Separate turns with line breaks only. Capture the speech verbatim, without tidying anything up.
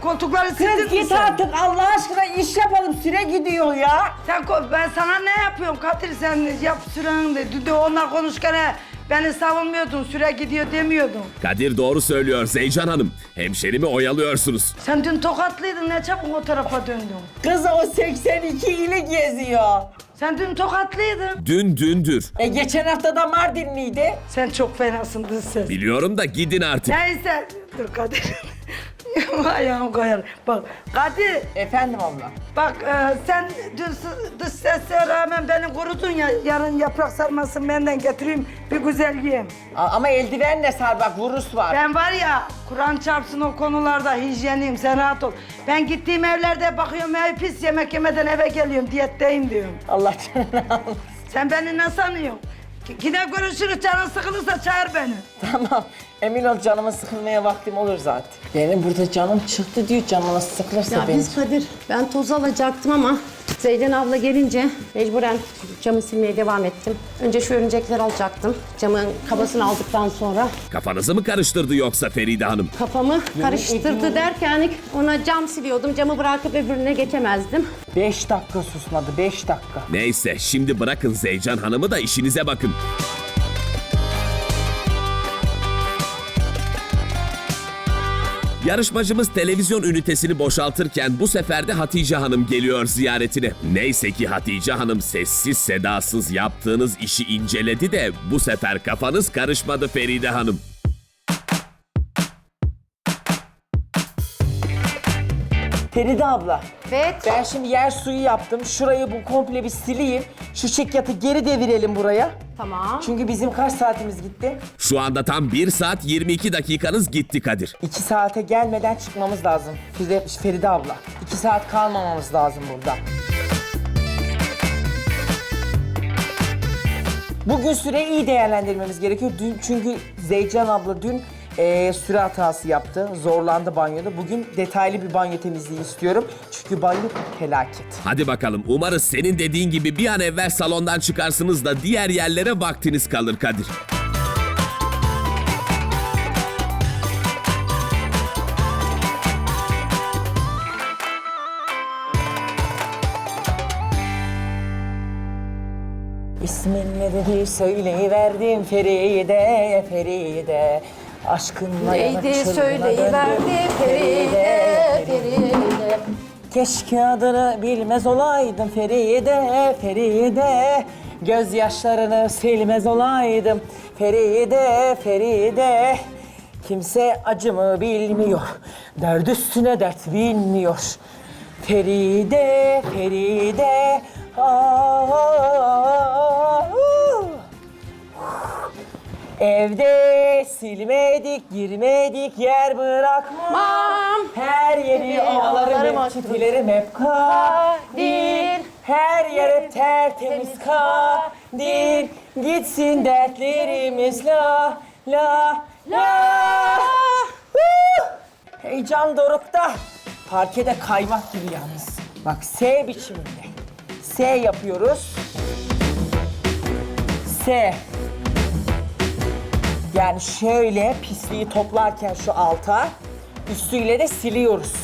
koltukları
Kız
sildin mi
git
sen?
artık Allah aşkına iş yapalım süre gidiyor ya.
Sen ko- ben sana ne yapıyorum Kadir, sen yap süren de. Dün de onlar konuşurken he, beni savunmuyordun, süre gidiyor demiyordun.
Kadir doğru söylüyor Zeycan Hanım. Hemşerimi oyalıyorsunuz.
Sen dün tokatlıydın, ne çabuk o tarafa döndün.
Kız o seksen iki ile geziyor.
Sen dün tokatlıydın.
Dün dündür.
E geçen hafta da Mardinliydi.
Sen çok fenasın dış ses.
Biliyorum da gidin artık.
Neyse, dur Kadir. Ayağım koyar. Bak Kadir,
Efendim abla.
bak e, sen dün sı- dış sese rağmen beni kurudun ya, yarın yaprak sarmasını benden getireyim, bir güzel yiyeyim.
A- ama eldivenle sar bak vurus var.
Ben var ya, Kur'an çarpsın o konularda hijyeniyim, sen rahat ol. Ben gittiğim evlerde bakıyorum, ev pis, yemek yemeden eve geliyorum, diyetteyim diyorum.
Allah canını alsın.
Sen beni ne sanıyorsun? Ki- Yine görüşürüz, canın sıkılırsa çağır beni.
Tamam. Emin ol canıma sıkılmaya vaktim olur zaten. Benim burada canım çıktı diyor canıma sıkılırsa
Ya
benim.
biz Kadir, ben toz alacaktım ama Zeyden abla gelince mecburen camı silmeye devam ettim. Önce şu örümcekleri alacaktım. Camın kabasını aldıktan sonra
Kafanızı mı karıştırdı yoksa Feride Hanım?
kafamı karıştırdı derken ona cam siliyordum. Camı bırakıp öbürüne geçemezdim.
Beş dakika susmadı, beş dakika.
Neyse şimdi bırakın Zeycan Hanım'ı da işinize bakın. Yarışmacımız televizyon ünitesini boşaltırken bu sefer de Hatice Hanım geliyor ziyaretine. Neyse ki Hatice Hanım sessiz sedasız yaptığınız işi inceledi de bu sefer kafanız karışmadı Feride Hanım.
Feride abla.
Evet.
Ben şimdi yer suyu yaptım. Şurayı bu komple bir sileyim. Şu çekyatı geri devirelim buraya.
Tamam.
Çünkü bizim kaç saatimiz gitti?
Şu anda tam bir saat yirmi iki dakikanız gitti Kadir.
İki saate gelmeden çıkmamız lazım. Feride, Feride abla. İki saat kalmamamız lazım burada. Bugün süreyi iyi değerlendirmemiz gerekiyor. Dün çünkü Zeycan abla dün eee, süre hatası yaptı. Zorlandı banyoda. Bugün detaylı bir banyo temizliği istiyorum. Çünkü banyo felaket.
Hadi bakalım umarız senin dediğin gibi bir an evvel salondan çıkarsınız da diğer yerlere vaktiniz kalır Kadir.
İsmin ne dedi söyleyiverdim Feride, Feride. Aşkınla yanıp
Neydi
çılgına
söyleyiverdi
döndüm.
Feride, Feride.
Keşke adını bilmez olaydım Feride, Feride. Gözyaşlarını silmez olaydım Feride, Feride. Kimse acımı bilmiyor, dert üstüne dert bilmiyor. Feride, Feride. Aa, evde silmedik, girmedik, yer bırakmam. Her yeri ovalarım
ovalarım
hep, çitilerim hep kadir. Her yer hep tertemiz kadir. Gitsin dertlerimiz la la la. Huh! Heyecan dorukta. Parkede kaymak gibi yalnız. Bak S biçiminde. S yapıyoruz. S. Yani şöyle pisliği toplarken şu alta, üstüyle de siliyoruz.